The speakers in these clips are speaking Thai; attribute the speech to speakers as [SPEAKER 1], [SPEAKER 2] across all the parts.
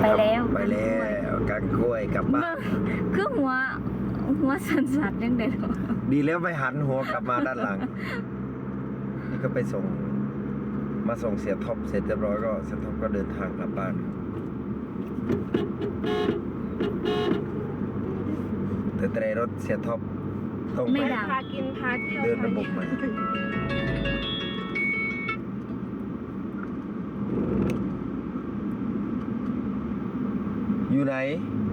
[SPEAKER 1] ไปแล้ว
[SPEAKER 2] ไปแล้วกังกล้วยกลับบ้าน
[SPEAKER 1] คือหัวสั่นๆยังเด็ด
[SPEAKER 2] ดีแล้วไปหันหัวกลับมาด้านหลัง นี่ก็ไปส่งมาส่งเสียท็อปเสร็จเรียบร้อยก็เสียท็อปก็เดินทางกลับบ้านแต่รถเสียท็อปต้องไป
[SPEAKER 3] พากินพาเที่ยว
[SPEAKER 2] เดินระบบใหม่อยู่ไหน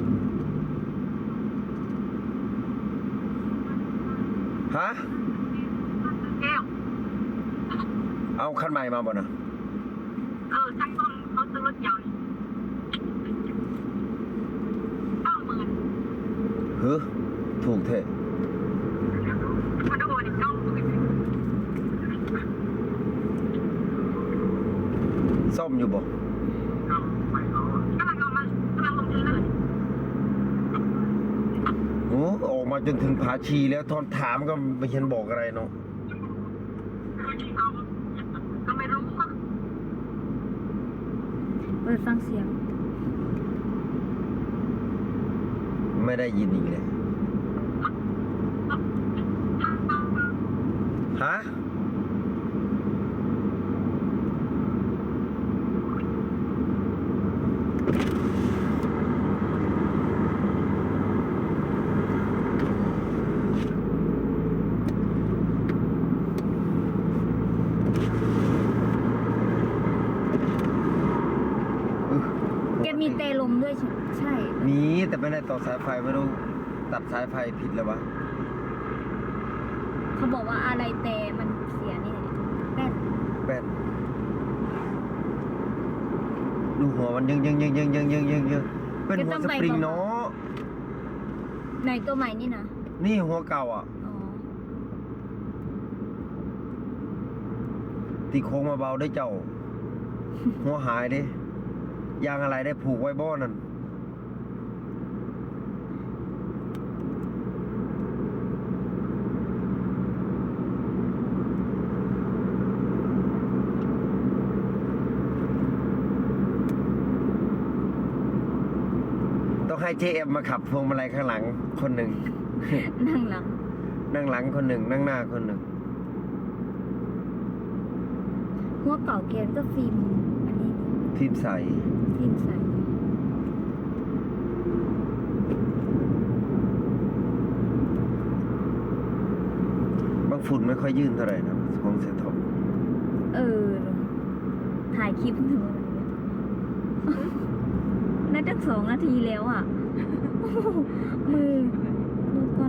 [SPEAKER 2] ฮะ
[SPEAKER 3] แก้ว
[SPEAKER 2] เอาคันใหม่มาบ่นะ
[SPEAKER 3] ช่างต้นเขาซื้อรถยนต์90,000
[SPEAKER 2] เฮ้อถูกเถอะ
[SPEAKER 3] มันโอนอีก90,000
[SPEAKER 2] ซ่อมอยู่บ่
[SPEAKER 3] กำลังลงทุนเลย
[SPEAKER 2] โอ้ออกมาจนถึงผาชีแล้วทอนถามก็ไม่เห็นบอกอะไรเนาะ
[SPEAKER 3] ก็ไม่รู้ว่า
[SPEAKER 1] เปิดฟังเสียง
[SPEAKER 2] ไม่ได้ยินอีกเลยฮะ
[SPEAKER 1] แกมีเตลมด้วยใช่
[SPEAKER 2] มีแต่ไม่ได้ต่อสายไฟไม่รู้ตัดสายไฟผิดแล้ววะ
[SPEAKER 1] เขาบอกว่าอะไรเตมันเสียนี่แป้น
[SPEAKER 2] แป้นดูหัวมันยังเป็นหัวสปริงเนาะ
[SPEAKER 1] ในตัวใหม่นี่นะ
[SPEAKER 2] นี่หัวเก่าอ่ะ
[SPEAKER 1] อ๋อ
[SPEAKER 2] ตีโค้งมาเบาได้เจ้า หัวหายดิยางอะไรได้ผูกไว้บ่อนั่นต้องให้เจเอ็มมาขับพวงมาลัยข้างหลังคนหนึ่ง
[SPEAKER 1] นั่งหลัง
[SPEAKER 2] นั่งหลังคนหนึ่งนั่งหน้าคนหนึ่ง
[SPEAKER 1] หัวเก่าเกียร์ก็ฟิล์มอันนี้
[SPEAKER 2] ฟิล์มใส
[SPEAKER 1] ฟิล์มใส
[SPEAKER 2] บางฝุ่นไม่ค่อยยื่นเท่าไหร่นะของเซท็อป
[SPEAKER 1] เออถ่ายคลิปถึงอะไรเนี่ยน่าจะ2 นาทีแล้วอ่ะ มือดูก่อน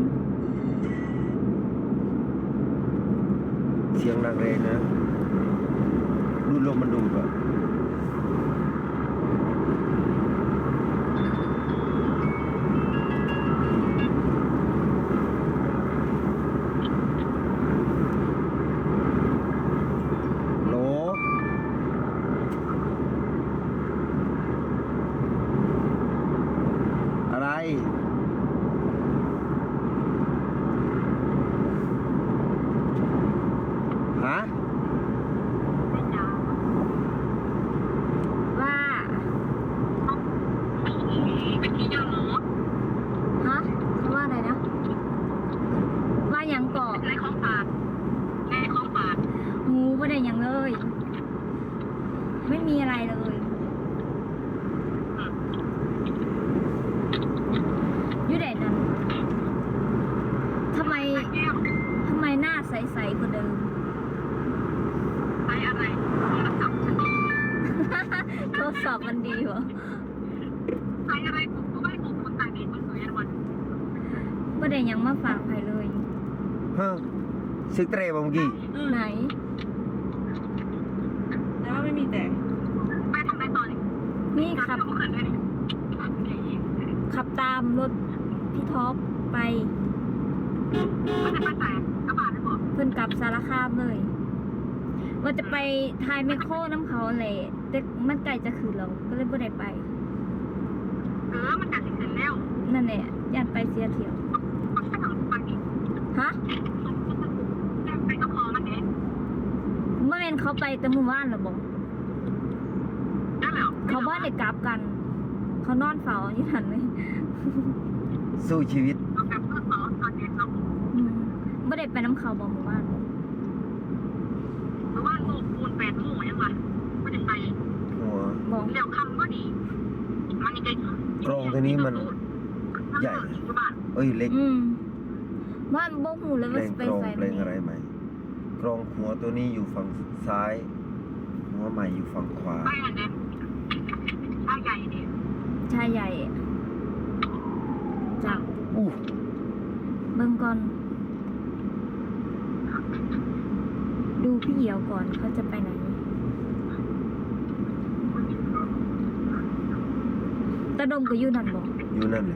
[SPEAKER 2] เสียงดังเลยนะดูลมมันดูดอ่ะโหลอะไรฮะ
[SPEAKER 1] ว่า
[SPEAKER 3] เป็นที่ยอมรู้
[SPEAKER 1] ฮะเขาว่าอะไรนะ ว่าหยังเกาะ
[SPEAKER 3] ในของฝากในของฝาก
[SPEAKER 1] งูไม่ได้หยังเลย ไม่มีอะไรเลยอยู่ไหนนั้นทำไม
[SPEAKER 3] แก้ว
[SPEAKER 1] หน้าใสๆกว่าเดิม
[SPEAKER 3] ใช้อะไรโทรศัพท์
[SPEAKER 1] โทรศัพท์มันดีวะ
[SPEAKER 3] ใช้อะไรผมก็ไม่ผมคนต่างเด็กคนสวยอันวัน
[SPEAKER 1] ไม่ได้หยังมาฝากใครเลย
[SPEAKER 2] ฮะซึกเตรบ่เมื่อกี้
[SPEAKER 1] ไหน
[SPEAKER 3] แต่ว่าไม่มีแต่ไปทำอะไรต่อเนี่ย
[SPEAKER 1] นี่ขับ
[SPEAKER 3] ก็เขินเลย
[SPEAKER 1] ขับตามรถพี่ท็อปไป
[SPEAKER 3] มันจะไปแต่กระบะได้บอก
[SPEAKER 1] เพิ่นกลับสารคามเลย ว่าจะไปทายแมคโครน้ำเขาแหละแต่มันไกลจะคืนเราก็เลยไม่ได้ไป
[SPEAKER 3] มันกัดสินแล้ว
[SPEAKER 1] นั่นแหละย่านไปเสียเที่ยว ฮะ
[SPEAKER 3] ไปก็พอมันเอง
[SPEAKER 1] เมื่อเวนเขาไปแต่หมู่บ้านเหรอบอก
[SPEAKER 3] ได้แล้ว
[SPEAKER 1] เขาบ้านเด็กกลับกัน
[SPEAKER 3] เ
[SPEAKER 1] เขานอนเฝ้าอยู่ทันเลย
[SPEAKER 2] สู้ชีวิต
[SPEAKER 3] เราแบบเพื่อขอตอนเย็นเรา
[SPEAKER 1] ไม่ได้ไปน้ำเขาบอกหมู่บ้าน
[SPEAKER 3] หรือว่าโลกปูน8 โมงยังวะไม่ได้ไป
[SPEAKER 2] หัว
[SPEAKER 1] บอก
[SPEAKER 3] เดี๋ยวคำก็ดีมันยังไง
[SPEAKER 2] กรงตัวนี้มันใหญ่ เอ้ยเล็ก
[SPEAKER 1] ว่าบ่หูเลย
[SPEAKER 2] เพล
[SPEAKER 1] ว่าง สไป
[SPEAKER 2] กรอง
[SPEAKER 1] ไซ
[SPEAKER 2] เพลงอะไรไหมกรองหัวตัวนี้อยู่ฝั่งซ้าย หัวใหม่อยู่ฝั่งขวา
[SPEAKER 3] ไปอันเนี้ยชายใหญ่เนี่ย
[SPEAKER 1] ชายใหญ่จาก
[SPEAKER 2] อู้
[SPEAKER 1] เบิ่งก่อน ดูพี่เหี่ยวก่อนเขาจะไปไหน ตะดมก็อยู่นั่นบอก
[SPEAKER 2] อยู่นั่นเลย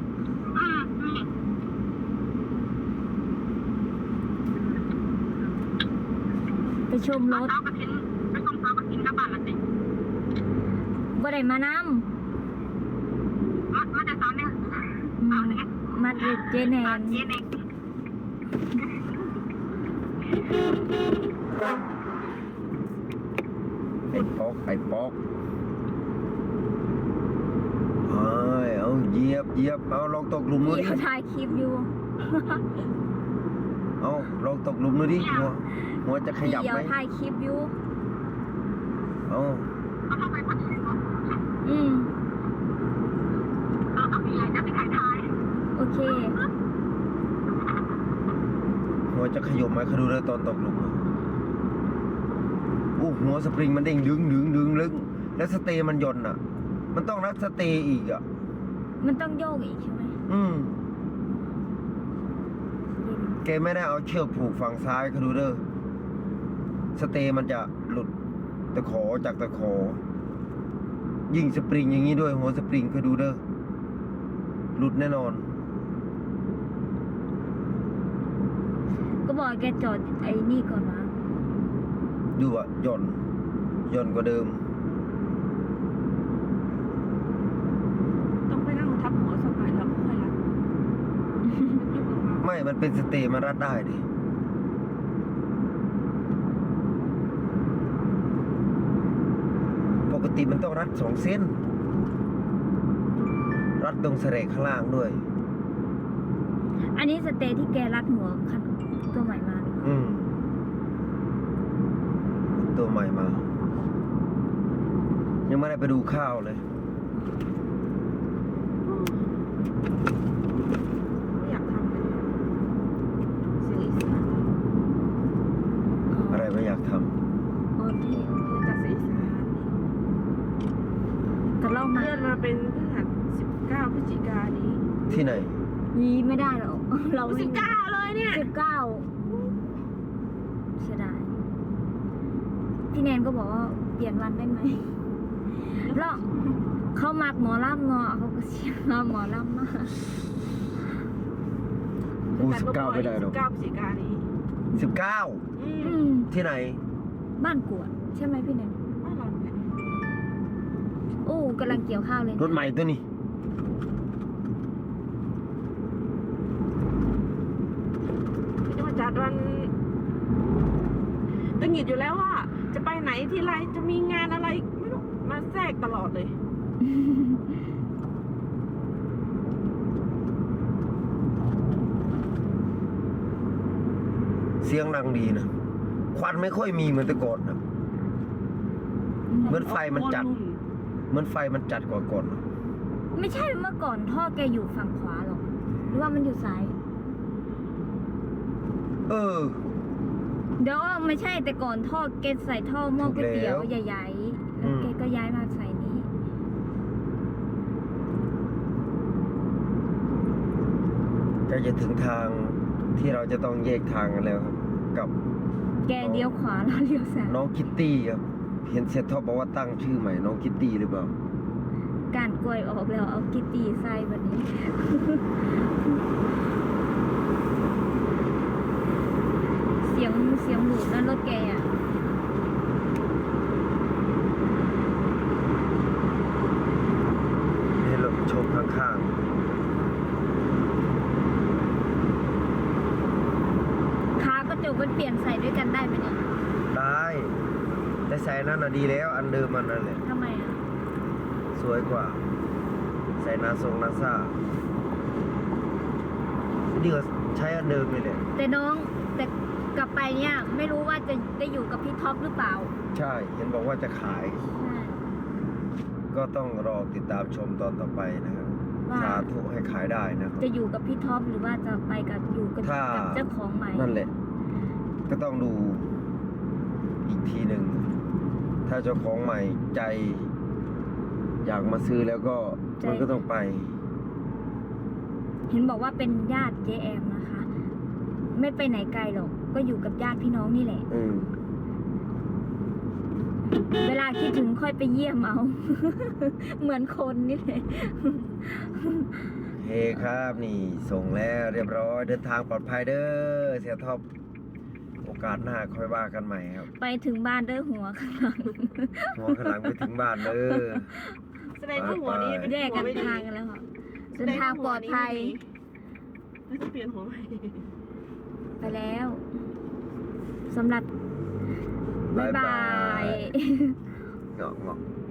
[SPEAKER 1] ไปชมรถ
[SPEAKER 3] เช้ากระถินไปต้องเช้ากระถินกับบ้านละสิ
[SPEAKER 1] บ่ได้มาน
[SPEAKER 3] มาจากสาวเนี่ย
[SPEAKER 1] ำมาเด็ดเจแนน
[SPEAKER 3] เย็นเอง
[SPEAKER 2] ไอ้ป๊อกเฮ้ยเอาเหยียบเอาลองตกหลุมดูดิ
[SPEAKER 1] พี่เขาถ่ายคลิปอยู่
[SPEAKER 2] เอาลองตกหลุมดูดิหัวจะข
[SPEAKER 1] พี่
[SPEAKER 2] ยับ
[SPEAKER 1] เหี่ยว
[SPEAKER 2] ไหม
[SPEAKER 1] ถ่ายคลิปอยู่
[SPEAKER 2] เอา
[SPEAKER 3] เขาเข้าไปคนอื่นเนาะ เอาพี่ใหญ่จะไปขายท้าย
[SPEAKER 1] โอเค
[SPEAKER 2] หัวจะขยบไหมเขาดูเลยตอนตกหลุมอะอู้หัวสปริงมันเด้งดึงลึกแล้วสเตย์มันหย่อนอ่ะ มันต้องรัดสเตย์อีกอ่ะ
[SPEAKER 1] มันต้องโยกอีกใช่ไหม
[SPEAKER 2] แกไม่ได้เอาเชือกผูกฝั่งซ้ายเขาดูเด้อสเตย์มันจะหลุดตะขอจากตะขอ ยิ่งสปริงอย่างนี้ด้วยหัวสปริงเขาดูเด้อหลุดแน่นอน
[SPEAKER 1] ก็บอกแกจอดไอ้นี่ก่อนนะ
[SPEAKER 2] ดูอ่ะหย่อนกว่าเดิม
[SPEAKER 4] ต้องไปนั่งทับหัวสักหน่อยแล้วค่อยรัดมันยุบออกมา
[SPEAKER 2] ไม่มันเป็นสเตย์มันรัดได้ดิปกติมันต้องรัด2 เส้น รัดตรงแสลกข้างล่างด้วย
[SPEAKER 1] อันนี้สเตย์ที่แกรัดหัวคันตัวใหม่มาหรือเปล่า
[SPEAKER 2] ตัวใหม่มา ยังไม่ได้ไปดูข้าวเลย
[SPEAKER 4] ไม่อยากทำเลยเสียงอีสาน
[SPEAKER 2] อะไรไม่อยากท
[SPEAKER 1] โอเค
[SPEAKER 4] เพื่อจัดเสียงอีสาน
[SPEAKER 1] แต่เล่ามา
[SPEAKER 4] เลื่อนมาเป็นพฤหัส19 พฤศจิกายนนี้
[SPEAKER 2] ำที่ไหน
[SPEAKER 1] ยีไม่ได้หรอก เราไม่
[SPEAKER 4] 19เลยเนี่ย
[SPEAKER 1] 19เสียดายพี่แนนก็บอกว่าเปลี่ยนวันได้ไหมแล้วเขามักหมอลำเนาะเขาก็เชียร์หมอลำมาก
[SPEAKER 2] กู19ไม่ได้หรอก
[SPEAKER 4] 19 พฤศจิกายนนี้
[SPEAKER 2] 19
[SPEAKER 1] อืม
[SPEAKER 2] ที่ไหน
[SPEAKER 1] บ้านกวดใช่ไหมพี่แนน
[SPEAKER 4] บ้านเราเนี่ย
[SPEAKER 1] โอ้กำลังเกี่ยวข้าวเลย
[SPEAKER 2] รถใหม่ตัวนี้
[SPEAKER 4] ที่จะมาจัดวันตึงหงิดอยู่แล้วว่าจะไปไหนที่ไรจะมีงานอะไรไม่รู้มาแทรกตลอดเลย
[SPEAKER 2] เสียงดังดีนะ ควันไม่ค่อยมีเหมือนแต่ก่อนนะ เหมือนไฟมันจัด เหมือนไฟมันจัดกว่าก่อนนะ
[SPEAKER 1] ไม่ใช่เมื่อก่อนท่อแกอยู่ฝั่งขวาหรอกหรือว่ามันอยู่ซ้าย
[SPEAKER 2] เออ
[SPEAKER 1] เดี๋ยวไม่ใช่แต่ก่อนท่อแกใส่ท่อหม้อก๋วยเตี๋ยว
[SPEAKER 2] ถูกแล้ว
[SPEAKER 1] ใหญ่ๆแล้วแกก็ย้ายมาใส่นี้
[SPEAKER 2] ใกล้จะถึงทางที่เราจะต้องแยกทางกันแล้วครับ กับ
[SPEAKER 1] แกเลี้ยวขวาแล้วเลี้ยวซ้าย
[SPEAKER 2] น้องคิตตี้ครับ เห็นเสียท็อปบอกว่าตั้งชื่อใหม่น้องคิตตี้หรือเปล่า
[SPEAKER 1] การกล้วยออกแล้วเอากิตตี้ใส่วันนี้ เสียงหมูนั่นรถแกอ่ะ
[SPEAKER 2] ให้เราชมข้าง
[SPEAKER 1] ค้ากระจกมันเปลี่ยนใส่ด้วยกันได้ไหมเนี่ย
[SPEAKER 2] ๆ ได้ แต่ใส่นั่นน่ะดีแล้ว อันเดิมมันนั่นแหละ
[SPEAKER 1] ทำไมอ่ะ
[SPEAKER 2] สวยกว่าใส่นาซานี่ก็ใช้อันเดิมเลยแหละ
[SPEAKER 1] แต่น้องแต่กลับไปเนี่ยไม่รู้ว่าจะได้อยู่กับพี่ท็อปหรือเปล่า
[SPEAKER 2] ใช่ เห็นบอกว่าจะขาย
[SPEAKER 1] ใช่
[SPEAKER 2] ก็ต้องรอติดตามชมตอนต่อไปนะครับ
[SPEAKER 1] ว่า
[SPEAKER 2] สาธุให้ขายได้นะครับ
[SPEAKER 1] จะอยู่กับพี่ท็อปหรือว่าจะไปกับอยู่กับ
[SPEAKER 2] ถ้า
[SPEAKER 1] เจ้าของใหม่
[SPEAKER 2] นั่นแหละ ก็ต้องดูอีกทีหนึ่ง ถ้าเจ้าของใหม่ใจ อยากมาซื้อแล้วก็มันก็ต้องไป
[SPEAKER 1] เห็นบอกว่าเป็นญาติเจแอมนะคะ ไม่ไปไหนไกลหรอกก็อยู่กับญาติพี่น้องนี่แหละ
[SPEAKER 2] อืม
[SPEAKER 1] เวลาคิดถึงค่อยไปเยี่ยมเอา เหมือนคนนี่แหละ
[SPEAKER 2] เฮ้ครับนี่ส่งแล้วเรียบร้อย เดินทางปลอดภัยเด้อเสียท็อปโอกาสหน้าค่อยว่ากันใหม่ครับ
[SPEAKER 1] ไปถึงบ้านด้วยหัวข้างหลัง
[SPEAKER 2] หัวข้างหลังไปถึงบ้านเด้อ
[SPEAKER 4] แสดงว่าหัวนี้เป็น
[SPEAKER 1] แยก
[SPEAKER 4] หั
[SPEAKER 1] กั
[SPEAKER 4] วน ไม่ดี
[SPEAKER 1] ทางกันแล้วค่ะเดินทางปลอดภัย
[SPEAKER 4] ไม่ต้องเปลี่ยนหัวใหม่
[SPEAKER 1] ไปแล้วสำหรับบ๊ายบาย
[SPEAKER 2] เงาะ